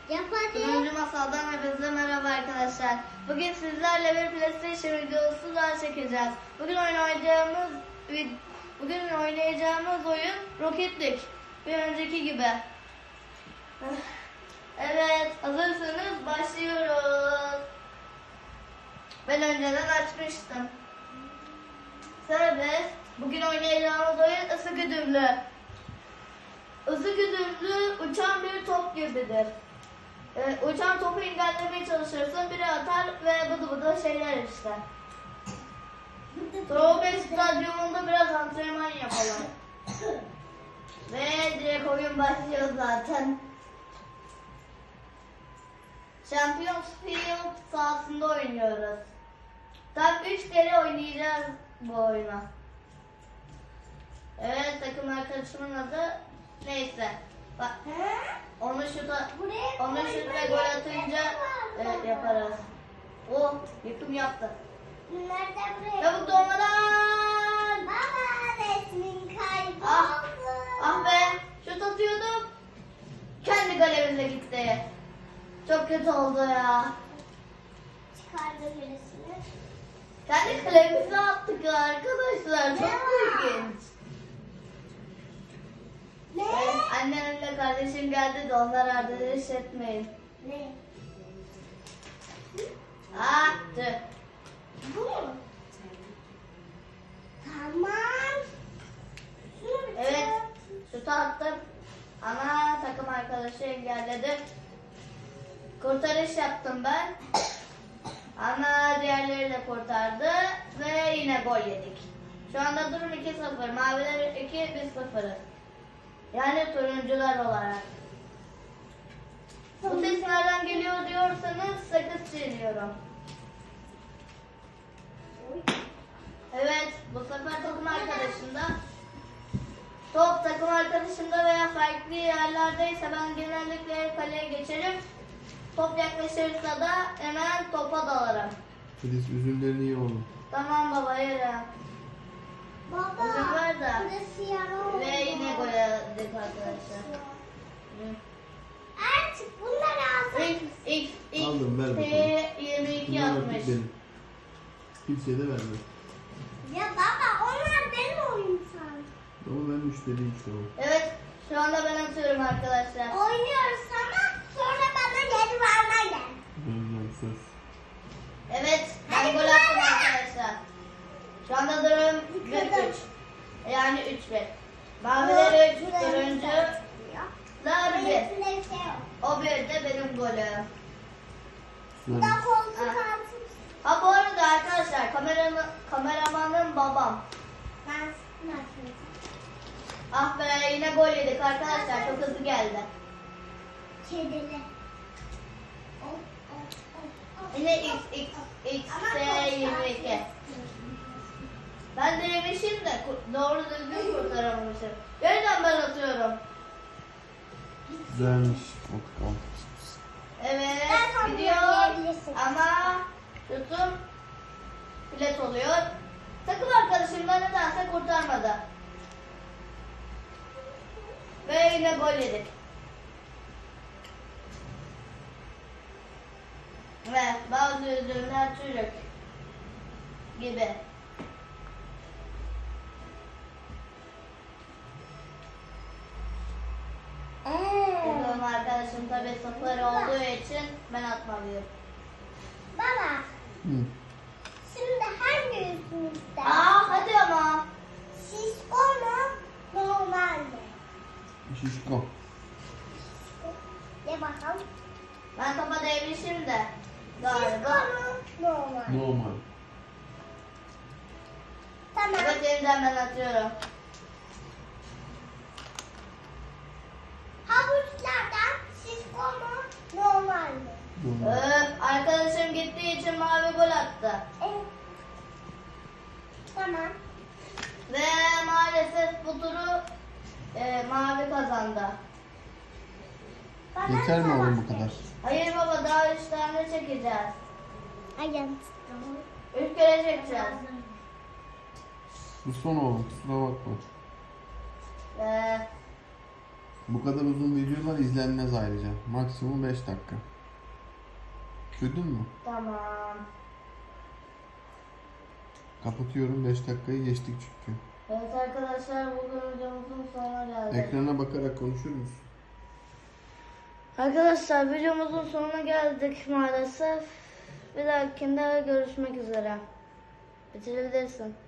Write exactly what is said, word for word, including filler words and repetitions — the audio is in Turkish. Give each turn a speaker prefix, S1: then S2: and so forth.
S1: Yap hadi.
S2: Turuncu Masal'dan hepinize merhaba arkadaşlar. Bugün sizlerle bir PlayStation videosu daha çekeceğiz. Bugün oynayacağımız bugün oynayacağımız oyun Rocket League. Bir önceki gibi. Evet, hazırsanız başlıyoruz. Ben önceden açmıştım. Serbest. Bugün oynayacağımız oyun ısı güdümlü. Isı güdümlü uçan bir top gibidir. Ee, uçan topu engellemeye çalışırsın, biri atar ve bıdı bıdı şeyler işte. Trobe stadyumunda biraz antrenman yapalım. Ve direkt oyun başlıyor zaten. Champions Field sahasında oynuyoruz. Tam üç kere oynayacağız bu oyunu. Evet, takım arkadaşımın adı neyse. Bak, onu şuta, onu şuta gol atınca e, yaparız. Oh, yıkım yaptı.
S1: Nerede buraya?
S2: Çabuk dolmadan.
S1: Baba resmin kayboldu.
S2: Ah, ah be, şut atıyordum. Kendi galemize gitti. Çok kötü oldu ya.
S1: Çıkardım birisini.
S2: Kendi kalemize attık arkadaşlar. Çok ilginç.
S1: Ne?
S2: Evet, annemle kardeşim geldi de onlar arkadaş etmeyin.
S1: Ne?
S2: Ah, tüh.
S1: Bu mu? Tamam. Şunu bir
S2: Evet,
S1: tut.
S2: şutu attım. Ama takım arkadaşı engelledi. Kurtarış yaptım ben. Ama diğerleri de kurtardı. Ve yine gol yedik. Şu anda durum iki sıfır. Maviler iki, biz sıfırız. Yani turuncular olarak. Bu ses nereden geliyor diyorsanız sakız çiğniyorum. Evet, bu sefer takım arkadaşımda. Top takım arkadaşımda veya farklı yerlerdeyse ben genellikle kaleye geçerim. Top yaklaşırsa da hemen topa dalarım.
S3: Filiz üzümlerini ye oğlum.
S2: Tamam baba, yerim.
S1: Baba.
S2: Üzüm var da.
S1: Burası yara oldu.
S2: Ve yine gol yedik arkadaşlar.
S1: Artık bunları alsak.
S2: X, X, X,
S3: Aldım, ver
S2: T
S3: bakalım.
S2: yirmi iki
S3: Bunlar
S2: yapmış.
S3: artık benim. Kimseye de vermem.
S1: Ya baba onlar benim oyun sanki.
S3: Ama ben müşteriyim şu an.
S2: Evet, şu anda ben atıyorum arkadaşlar.
S1: Oynuyoruz ama sonra bana geri vermen gel.
S3: Vermem söz.
S2: Evet, ben gol attım arkadaşlar. Şu anda durum bir üç. Yani üç bir. Maviler üç, turuncular bir.
S1: Öylesine bir şey yok.
S2: O bir de benim golüm.
S1: Bu da
S3: Ver.
S1: koltuk
S2: Ha.
S1: altı.
S2: Ha bu arada arkadaşlar, kameranın, kameramanın babam.
S1: Ben nasıl?
S2: Ah be, yine gol yedik arkadaşlar, çok hızlı geldi.
S1: Kedili. Oh, oh, oh, oh.
S2: Yine X, X, X,
S1: Ama
S2: T
S1: koltuk
S2: yirmi iki.
S1: altı.
S2: Ben de yemişim de ku- doğru düzgün kurtaramamışım. Yeniden ben atıyorum.
S3: Güzelmiş. Koltuk altı.
S2: Evet,
S1: Ben tam
S2: gidiyor
S1: yiyebilirsin.
S2: ama tutum filet oluyor. Takım arkadaşım da nedense kurtarmadı. Ve yine gol yedik. Ve bazı üzümler çürük gibi. Benim arkadaşım tabi sıfır olduğu için ben atmalıyım.
S1: Baba,
S3: Hı.
S1: şimdi hangi yüzümüzde?
S2: Aa hadi ama.
S1: Şişko mu? Normal mi?
S3: Şişko.
S1: De bakalım.
S2: Ben topa değmişim de
S1: Şişko
S2: galiba.
S1: mu? Normal.
S3: Normal.
S1: Tamam.
S2: Evet, yeniden ben atıyorum.
S1: Havuçlardan şişko mu? Normal mi?
S3: Normal.
S2: Öp, arkadaşım gittiği için mavi gol attı.
S1: Evet. Tamam.
S2: Ve maalesef bu turu e, mavi kazandı.
S1: Bana
S3: Yeter mi
S1: tamam.
S3: oğlum bu kadar?
S2: Hayır baba, daha üç tane çekeceğiz.
S1: Ayağım.
S2: Üç kere çekeceğiz.
S3: Bu son oğlum. Kusura bakma.
S2: Ve
S3: Bu kadar uzun videolar izlenmez ayrıca. Maksimum beş dakika. Duydun mu?
S2: Tamam.
S3: Kapatıyorum, beş dakikayı geçtik çünkü.
S2: Evet arkadaşlar, bugün videomuzun sonuna geldik.
S3: Ekrana bakarak konuşur musun?
S2: Arkadaşlar videomuzun sonuna geldik maalesef. Bir dahakinde görüşmek üzere. Bitirebilirsin.